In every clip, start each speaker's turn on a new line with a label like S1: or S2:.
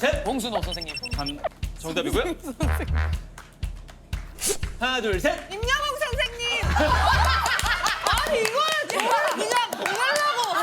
S1: 셋.
S2: 봉순호 선생님.
S1: 정답이고요. 하나, 둘, 셋.
S3: 임영웅 선생님. 아니 이거는 제발 그냥 보내려고.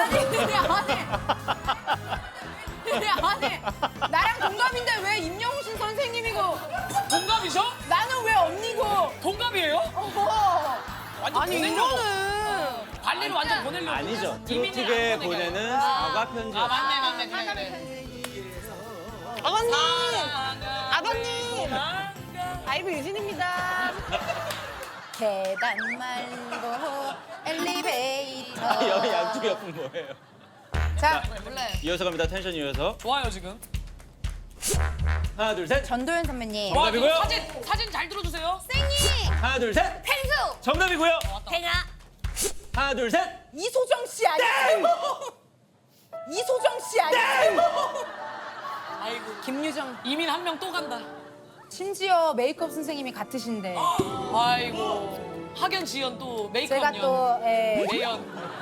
S3: 아니 나랑 동갑인데 왜 임영웅 선생님이고
S2: 동갑이죠?
S3: 나는 왜 언니고?
S2: 동갑이에요? 완전
S3: 아니
S2: 보내려고.
S3: 이거는
S2: 관리를 완전 보내려고.
S1: 아니죠.
S2: 이민이를
S1: 트로트계
S2: 안 보내게.
S1: 보내는 사과 편지.
S2: 아 맞네 그래.
S3: 아버님
S2: 사랑아,
S3: 아버님 아이브 유진입니다. 계단 말고 엘리베이터.
S1: 여기 양쪽 옆은 뭐예요?
S3: 자
S2: 몰라요.
S1: 이어서 갑니다. 텐션 이어서.
S2: 좋아요 지금.
S1: 하나, 둘, 셋.
S3: 전도연 선배님.
S2: 와,
S1: 정답이고요.
S2: 사진 잘 들어주세요.
S3: 생이
S1: 하나, 둘, 셋.
S3: 펭수
S1: 정답이고요.
S3: 팽아
S1: 하나, 둘, 셋.
S3: 이소정 씨 아니에요? 이소정 씨 아니에요?
S2: 아이고
S3: 김유정.
S2: 이민 한 명 또 간다.
S3: 심지어 메이크업 선생님이 같으신데
S2: 아이고 학연 지연 또 메이크업
S3: 제가
S2: 연.
S3: 또
S2: 매연.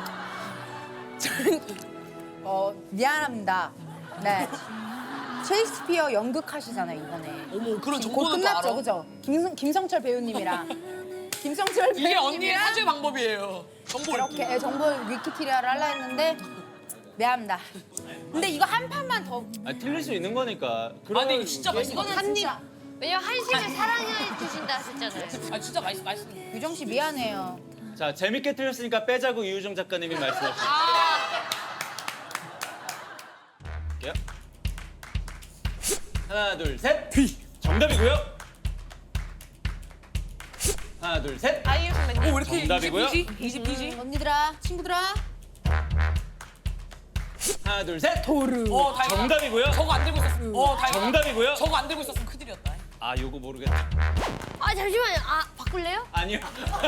S3: 미안합니다. 네. 셰익스피어 연극 하시잖아요 이번에.
S2: 어머 그런
S3: 곧
S2: 정보는 또
S3: 끝났죠,
S2: 알아.
S3: 그죠? 김성철 배우님이랑 김성철
S2: 이게 언니의
S3: 배우님이랑
S2: 사죄 방법이에요. 정보
S3: 이렇게 정보 위키티리아를 하려 했는데 미안합니다. 근데 이거 한 판만 더.
S1: 틀릴 수 있는 거니까.
S2: 아 근데 이거 진짜 맛있어.
S3: 이거는 진짜
S4: 왜냐면 한식을 사랑해 주신다 하셨잖아요.
S2: 아 진짜 맛있어.
S3: 유정 씨 미안해요.
S1: 자, 재밌게 틀렸으니까 빼자고 이유정 작가님이 말씀하셨어요. 할게요. 하나, 둘, 셋. 정답이고요. 하나, 둘, 셋.
S3: 아이유 선배님.
S2: 왜 이렇게
S1: 정답이고요.
S2: 이지?
S3: 언니들아, 친구들아.
S1: 하나, 둘, 셋.
S2: 다행이다.
S1: 정답이고요.
S2: 저거 안 들고 있었으면. 다행이다.
S1: 정답이고요.
S2: 저거 안 들고 있었으면 큰일이었다.
S1: 아, 요거 모르겠다.
S4: 아 잠시만요. 아 바꿀래요?
S1: 아니요.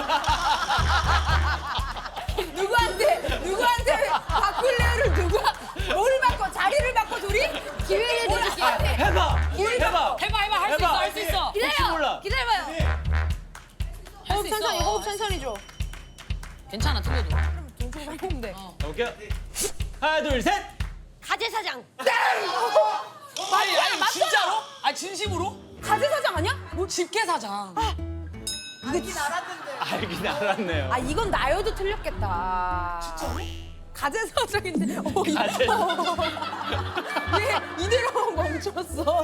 S3: 누구한테 바꿀래요를 누가 뭘 바꿔? 자리를 바꿔 둘이?
S4: 기회를 드릴게요.
S1: 해봐. 해봐.
S2: 해봐 할 수 있어 할 수 있어.
S1: 혹시 몰라.
S4: 기다려봐요.
S2: 할 수 있어.
S3: 호흡 천천히 줘.
S2: 괜찮아 틀려도.
S3: 동생 살렸는데.
S1: 오케이. 하나, 둘, 셋.
S4: 가재사장.
S2: 아니 진짜로? 아니 진심으로?
S3: 가재 사장 아니야?
S2: 뭐 집게 사장.
S1: 알긴 알았네요.
S3: 아 이건 나여도 틀렸겠다. 진짜로? 가재 사장인데.
S1: 가재.
S3: 얘 이대로 멈췄어.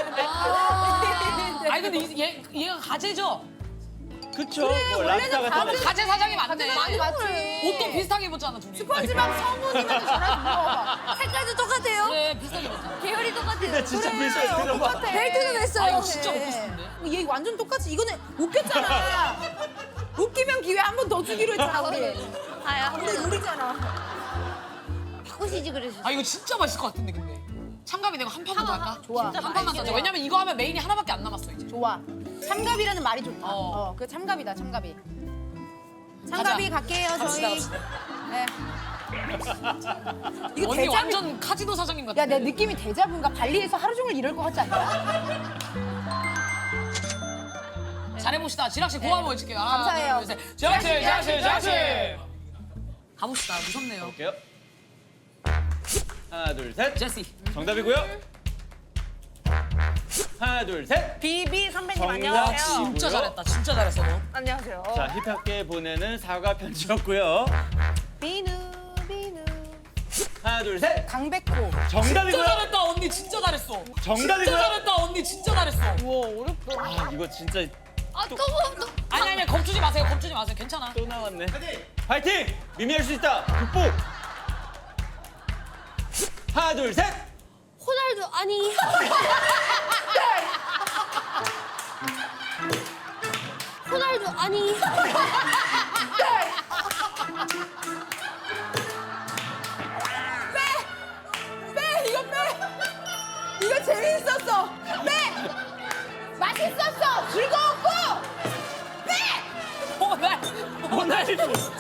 S2: 아니 근데 얘가 가재죠?
S1: 그쵸. 뭐
S3: 원래는
S1: 랍스타 같은 거.
S2: 가재 사장이 맞네.
S3: 많이 맞지.
S2: 옷도 비슷하게 입었잖아 둘이.
S3: 스펀지밥 성분이면 전화 좀 물어봐.
S4: 색깔도 똑같아요.
S2: 그래 비슷하게 입었잖아.
S4: 계열이 똑같아요.
S1: 근데 진짜 비슷해. 들어봐.
S3: 벨트는 했어요.
S2: 아 이거 진짜 먹고 싶은데.
S3: 얘 완전 똑같이 이거는 웃겼잖아. 웃기면 기회 한 번 더 주기로 했잖아 우리.
S4: 아야.
S3: 근데 우리잖아.
S4: 바꾸시지 그러셨어요.
S2: 아 이거 진짜 맛있을 것 같은데 근데. 참가비 내가 한 판만 더 할까?
S3: 좋아.
S2: 한 판만 더 하자. 왜냐면 이거 하면 메인이 하나밖에 안 남았어 이제.
S3: 좋아. 참갑이라는 말이 좋다.
S2: 어.
S3: 그 참갑이다 참갑이. 참갑이 갈게요 저희.
S2: 갑시다.
S3: 네. 이거
S2: 언니
S3: 대자뷰.
S2: 완전 카지노 사장님 같아.
S3: 야, 내 느낌이 대자뷰인가? 발리에서 하루 종일 이럴 것 같지 않냐?
S2: 잘해봅시다. 지락씨 고함 한번 해줄게요. 하나,
S3: 감사해요.
S2: 둘, 셋. 지락씨. 가봅시다. 무섭네요.
S1: 볼게요. 하나, 둘, 셋.
S2: 제시.
S1: 정답이고요. 하나, 둘, 셋.
S3: 비비 선배님
S1: 정답.
S2: 진짜 잘했다. 진짜 잘했어 너.
S3: 안녕하세요.
S1: 자, 힙합계 보내는 사과 편지였고요.
S3: 비누 비누.
S1: 하나, 둘, 셋.
S3: 강백호.
S2: 진짜
S1: 정답이고요.
S2: 잘했다 언니 진짜 잘했어.
S1: 정답이고요.
S2: 진짜 잘했다 언니 진짜 잘했어.
S3: 우와 어렵다.
S1: 아, 이거 진짜
S4: 아또
S2: 아니 겁주지 마세요. 괜찮아.
S1: 또 나왔네. 파이팅! 미미 할 수 있다. 극복. 하나, 둘, 셋.
S4: 호날두 아니. 호날두 아니.
S3: 빼 이거 빼. 이거 재밌었어. 빼. 맛있었어. 즐거웠고. 빼.
S1: 호날두.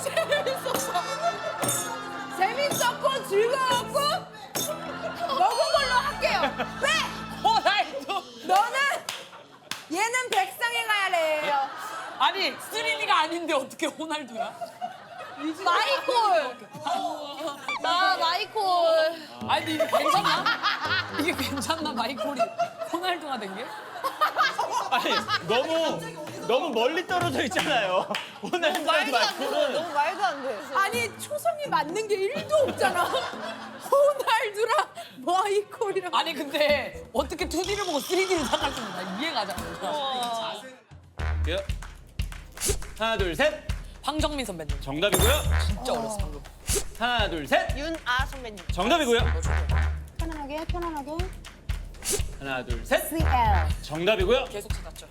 S3: 재밌었고 즐거웠고 먹은 걸로 할게요. 빼.
S2: 호날두.
S3: 너는 얘는 백상에 가야 돼요.
S2: 아니 3D가 아닌데 어떻게 호날두야?
S3: 마이콜.
S4: 아 마이콜.
S2: 아니 이게 괜찮나? 이게 괜찮나 봐. 마이콜이 호날두가 된 게?
S1: 아니 너무 멀리 떨어져 있잖아요. 호날두랑 마이콜은.
S5: 너무 말도 안 돼.
S3: 아니 초성이 맞는 게 1도 없잖아. 호날두랑 마이콜이랑.
S2: 아니 근데 어떻게 2D를 보고 3D를 생각했습니다. 이해가 잘 안 가.
S1: 예. 하나 둘 셋.
S2: 황정민 선배님.
S1: 정답이고요.
S2: 진짜 어렸어 방금.
S1: 하나 둘 셋.
S5: 윤아 선배님.
S1: 정답이고요.
S3: 편안하게 편안하게.
S1: 하나 둘 셋.
S3: CL.
S1: 정답이고요.
S2: 계속 찾았죠.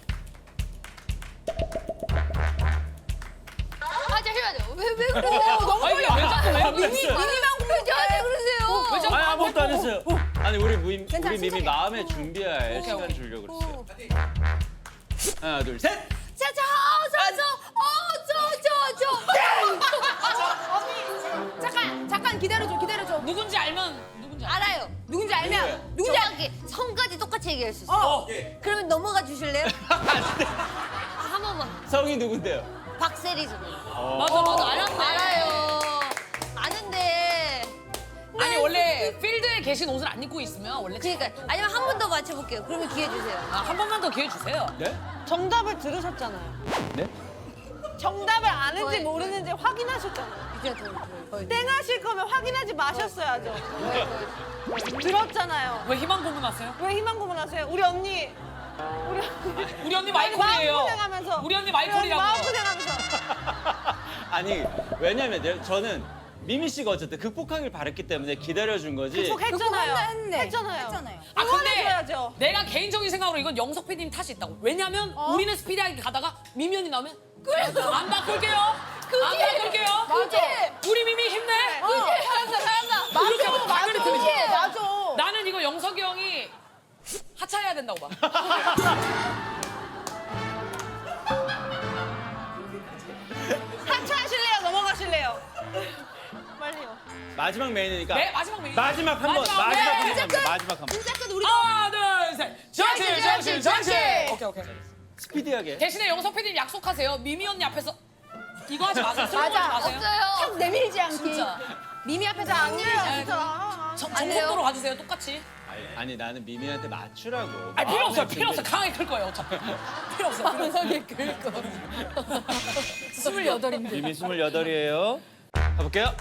S4: 아 잠시만요. 왜 그러세요?
S3: 너무
S2: 아니
S3: 빨리.
S2: 왜 자꾸 왜
S1: 미미.
S3: 미니만
S4: 왜 저한테 그러세요?
S2: 왜 자꾸
S1: 아니 아무것도 안 했어요. 아니 우리 미미
S3: 천천히.
S1: 마음에 준비할 시간
S2: 오케이.
S1: 주려고 그랬어요. 하나 둘 셋.
S3: 잠깐 기다려줘.
S2: 누군지 알면 누군지 알아.
S4: 알아요.
S3: 누군지 알면 누군지
S4: 정확히 성까지 똑같이 얘기할 수 있어요. 그러면 넘어가 주실래요? 한 번만.
S1: 성이 누군데요?
S4: 박세리 선배님.
S2: 맞아 알았네.
S4: 알아요. 아는데.
S2: 아니 원래 필드에 계신 옷을 안 입고 있으면 원래
S4: 그러니까 아니면 한 번 더 맞춰볼게요. 그러면 기회 주세요.
S2: 한 번만 더 기회 주세요.
S1: 네?
S5: 정답을 들으셨잖아요.
S1: 네?
S5: 정답을 아는지
S4: 거의.
S5: 모르는지 확인하셨잖아요.
S4: 이제 더.
S5: 땡하실 거면 확인하지 마셨어야죠. 들었잖아요.
S2: 왜 희망 고문하세요?
S5: 왜 희망 고문하세요? 우리 언니.
S2: 우리 언니 마이콜이에요.
S5: 마음고생하면서.
S2: 우리 언니 마이콜이라고.
S5: 마음고생하면서.
S1: 아니 왜냐면 저는 미미 씨가 어쨌든 극복하길 바랬기 때문에 기다려준 거지.
S5: 극복했잖아요.
S3: 했잖아요.
S2: 아 근데
S5: 응원해줘야죠.
S2: 내가 개인적인 생각으로 이건 영석 PD님 탓이 있다고. 왜냐면 우리는 스피디하게 가다가 미미 언니 나오면 안 바꿀게요. 안 바꿀게요. 우리 미미 힘내.
S3: 잘한다.
S2: 이렇게 하면 당연히 들리지.
S3: 맞아.
S2: 나는 이거 영석이 형이 하차해야 된다고 봐.
S5: 하차하실래요? 넘어가실래요? 빨리요.
S1: 마지막 메인이니까.
S2: 네 마지막 메인.
S1: 마지막 한 번.
S2: 마지막 메인.
S1: 마지막 한 번.
S2: 하나 둘 셋. 정신. 오케이.
S1: 스피디하게.
S2: 대신에 영석 PD님 약속하세요. 미미 언니 앞에서 이거 하지 마세요. 술 먹지
S3: 맞아.
S2: 마세요.
S4: 없어요.
S3: 탁 내밀지 않기.
S2: 진짜.
S3: 미미 앞에서 안
S5: 네,
S3: 내려.
S5: 진짜.
S2: 정석도로 가주세요. 똑같이.
S1: 아니 나는 미미한테 맞추라고.
S2: 아니 필요 없어요.
S1: 마음의
S2: 필요 없어.
S1: 준비.
S2: 강하게 클 거예요. 어차피. 필요 없어. 강하게 클 거. 28인데.
S1: 미미 28이에요. 가볼게요.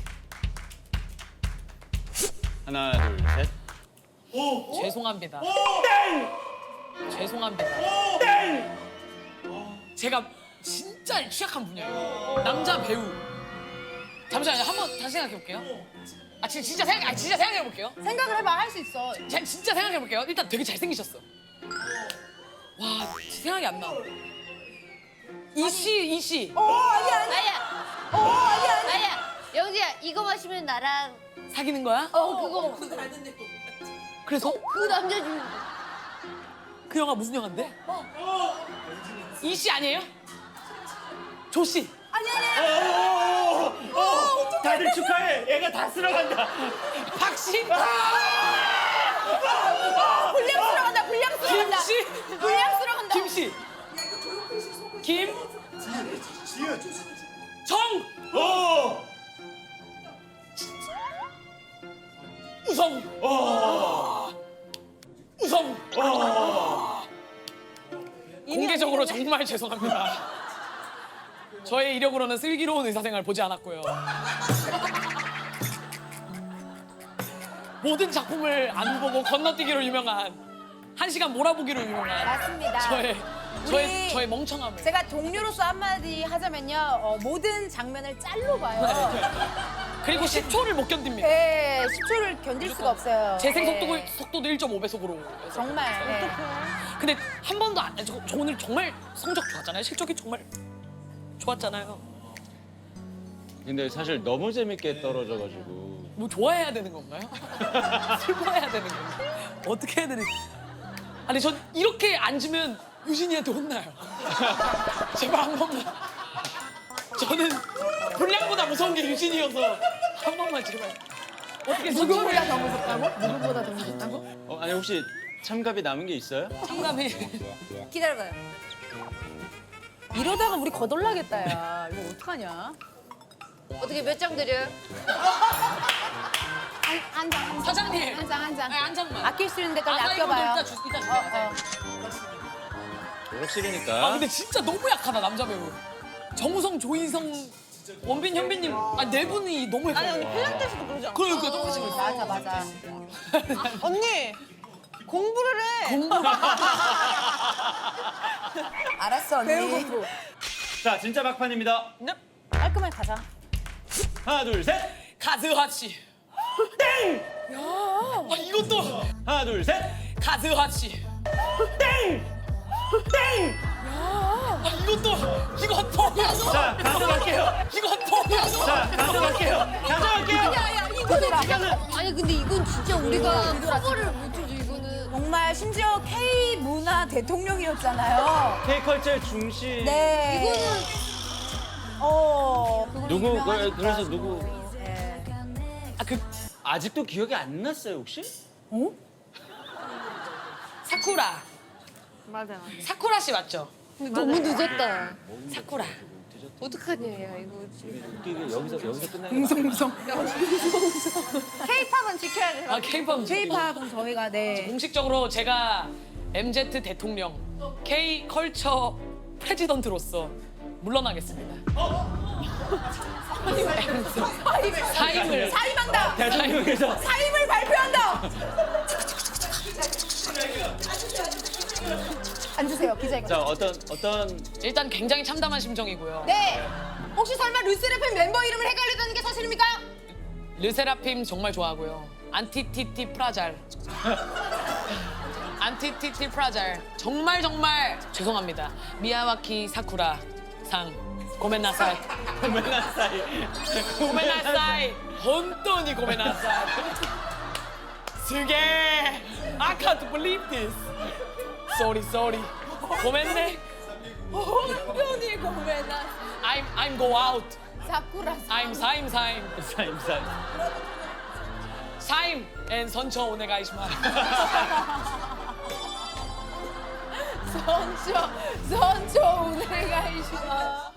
S1: 하나 둘 셋.
S2: 죄송합니다. 죄송합니다. 제가 진짜 취약한 분야예요. 남자 배우. 잠시만요. 한번 다시 생각해 볼게요. 진짜 생각해 볼게요.
S3: 생각을 해봐 할 수 있어.
S2: 진짜 생각해 볼게요. 일단 되게 잘생기셨어. 와, 생각이 안 나. 이씨.
S4: 아니야. 영지야 이거 마시면 나랑
S2: 사귀는 거야?
S4: 그거
S2: 그래서
S4: 그 남자 주인공.
S2: 그 영화 무슨 영화인데? 이씨 아니에요? 조씨.
S1: 다들 축하해. 얘가 다 쓸어간다.
S2: 박씨.
S3: 불량스러운다.
S2: 김씨.
S3: 불량스러운다.
S2: 김씨. 김. 정. 우성. 우성. 공개적으로 정말 죄송합니다. 저의 이력으로는 슬기로운 의사생활 보지 않았고요. 모든 작품을 안 보고 건너뛰기로 유명한 1시간 몰아보기로 유명한
S3: 맞습니다.
S2: 저의 멍청함을.
S3: 제가 동료로서 한마디 하자면요. 모든 장면을 짤로 봐요.
S2: 그리고 10초를 못 견딥니다.
S3: 네, 10초를 견딜 수가 없어요.
S2: 재생
S3: 네.
S2: 속도도 1.5배속으로.
S3: 정말. 네.
S2: 근데 한 번도 저 오늘 정말 성적 좋았잖아요. 실적이 정말 좋았잖아요.
S1: 근데 사실 너무 재밌게 떨어져가지고.
S2: 뭐 좋아해야 되는 건가요? 슬퍼해야 되는 건가요? 어떻게 해야 되는? 아니 전 이렇게 앉으면 유진이한테 혼나요. 제발 한 번만. 저는 분량보다 무서운 게 유진이어서 한 번만 제발. 어떻게
S3: 누구보다 더 무섭다고? 누구보다 더 무섭다고?
S1: 아니 혹시 참갑이 남은 게 있어요?
S2: 참감이.
S4: 기다려봐요.
S3: 이러다가 우리 거덜나겠다, 야. 이거 어떡하냐?
S4: 어떻게 몇 장 드려요?
S3: 한 장.
S2: 사장님.
S3: 한 장, 한 장.
S2: 아니, 한 장만.
S3: 아낄 수 있는 데까지
S2: 아까이분도
S3: 아껴봐요.
S2: 이따 주세요.
S1: 졸업식이니까.
S2: 아 근데 진짜 너무 약하다 남자 배우. 정우성, 조인성, 원빈, 현빈님 네 분이 너무
S5: 아니
S2: 헷갈려.
S5: 언니 필라테스도 그러지 않아?
S2: 그러니까 똑같이 그랬어.
S3: 맞아, 맞아.
S5: 언니 공부를 해.
S3: 알았어, 언니.
S1: 자, 진짜 막판입니다.
S5: 네.
S3: 깔끔하게 가자.
S1: 하나, 둘, 셋.
S2: 가즈하 씨. 땡! 야. 아 이것도
S1: 하나, 둘, 셋.
S2: 가즈하 씨. 땡! 땡! 야. 아 이것도
S1: 자, 가져갈게요.
S2: 이것도
S1: 자, 가져갈게요. 가져갈게요.
S4: 야야 이거는 진짜 아니 근데 이건 진짜 우리가 커버를 못해줘 이거는.
S3: 정말 심지어 K 문화 대통령이었잖아요.
S1: K컬처의 중심.
S3: 네.
S4: 이거는
S1: 누구, 그래서 누구.
S3: 네.
S1: 아직도 기억이 안 났어요, 혹시?
S2: 사쿠라.
S5: 맞아 맞아.
S2: 사쿠라 씨 맞죠?
S4: 근데 너무 늦었다.
S2: 사쿠라.
S4: 어떡하냐 야 이거.
S1: 웃기게 여기서 끝나는 거.
S5: K-팝은 지켜야 돼.
S2: 아 K-pop.
S3: K-팝은 저희가 네.
S2: 공식적으로 제가 MZ 대통령 K 컬처 프레지던트로서 물러나겠습니다. 사임을
S3: 사임한다.
S1: 대통령께서
S3: 사임을 발표한다. 앉으세요, 기자님.
S1: 자, 어떤
S2: 일단 굉장히 참담한 심정이고요.
S3: 네. 혹시 설마 르세라핌 멤버 이름을 헷갈렸다는 게 사실입니까?
S2: 르세라핌 정말 좋아하고요. 안티티티 프라잘. 안티티티 프라잘. 정말 죄송합니다. 미야와키 사쿠라 상 고멘나사이.
S1: 고멘나사이.
S2: 고멘나사이. 혼돈이 고멘나사이. 스게. I can't believe this. Sorry. 고멘네.
S3: 혼돈이 고메나.
S2: I'm go out.
S3: 사쿠라.
S2: I'm 사임.
S1: 사임.
S2: 사임 and 선처 오네가이시마스.
S3: 선초 오늘가 이시마.